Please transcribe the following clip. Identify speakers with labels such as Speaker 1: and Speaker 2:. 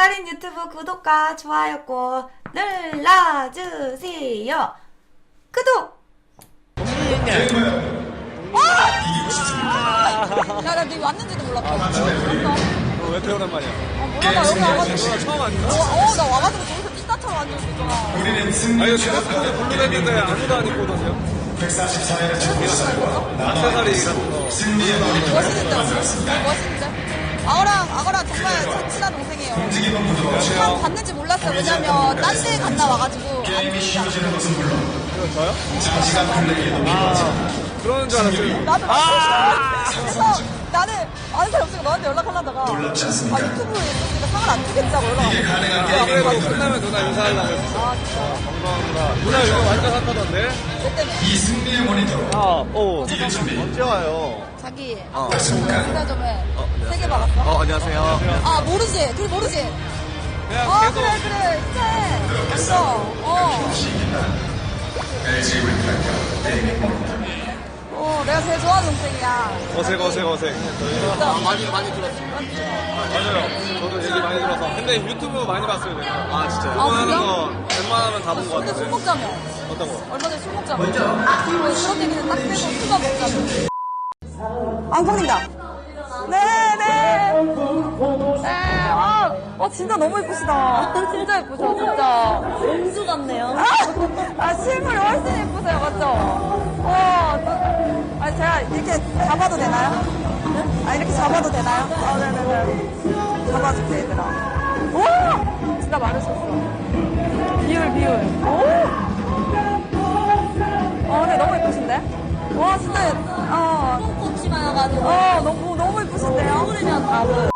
Speaker 1: 백가린 유튜브 구독과 좋아요 꼭 눌러주세요. 구독!
Speaker 2: 야, 나 니 왔는지도 몰랐다.
Speaker 3: 왜 이렇게 오랜만이야?
Speaker 2: 몰라, 나 여기 와가지고.
Speaker 3: 처음 왔는데?
Speaker 2: 나 와가지고 저기서 띠따처럼 앉아있었잖아.
Speaker 3: 아니, 휴대폰에 블루랬는데 아무도 안 입고 오던데요? 144회를 악세사리 같은 거.
Speaker 2: 멋있는데, 멋있는데? 악어랑 정말 친한 동생이에요. 한 봤는지 몰랐어요. 왜냐면 딴 데 갔다 와가지고 안 보이잖아.
Speaker 3: 저요? 아, 그러는 줄 알았어요.
Speaker 2: 나도 그래서 나는 아는 사람 없으니까 너한테 연락하려다가 유튜브에 있으니까 상을 안 주겠다고 연락하고.
Speaker 3: 그래도 끝나면 누나 인사하려고 했어.
Speaker 2: 아 진짜.
Speaker 3: 감사합니다. 누나 요즘 완전 핫하던데?
Speaker 2: 내 때문에.
Speaker 4: 이승리의 모니터로 이길 준비.
Speaker 3: 언제 와요?
Speaker 2: 자기 인사점에 3개 받았어.
Speaker 3: 안녕하세요.
Speaker 2: 아 모르지? 둘 모르지?
Speaker 3: 그냥 계속.
Speaker 2: 그래 인사해. 됐어.
Speaker 4: LG 윈플랜카 게이밍 모니터.
Speaker 2: 내가 제일 좋아하는 동생이야.
Speaker 3: 어색.
Speaker 2: 진짜.
Speaker 3: 많이 들었어요. 맞아요. 저도 얘기 많이 들어서. 근데 유튜브 많이 봤어요, 제가. 아, 진짜요?
Speaker 2: 아,
Speaker 3: 하는
Speaker 2: 그래요?
Speaker 3: 거 웬만하면 다 본 것
Speaker 2: 근데 술
Speaker 3: 같은데.
Speaker 2: 먹자며.
Speaker 3: 어떤 거?
Speaker 2: 얼마 전에 술 먹자며. 그런 얘기는 딱 빼고 술만 먹자며. 앙콩입니다. 네. 진짜 너무 예쁘시다. 진짜 예쁘죠, 진짜. 공주 같네요. 실물이 훨씬 예쁘세요, 맞죠? 제가 이렇게 잡아도 되나요? 이렇게 잡아도 되나요? 네네네. 잡아줄게, 얘들아. 오! 진짜 많으셨어. 비율. 근데 너무 예쁘신데? 와, 진짜,
Speaker 5: 똥꼬치마여가지고
Speaker 2: 너무 예쁘신데요?
Speaker 5: 얼굴이면 다 보여.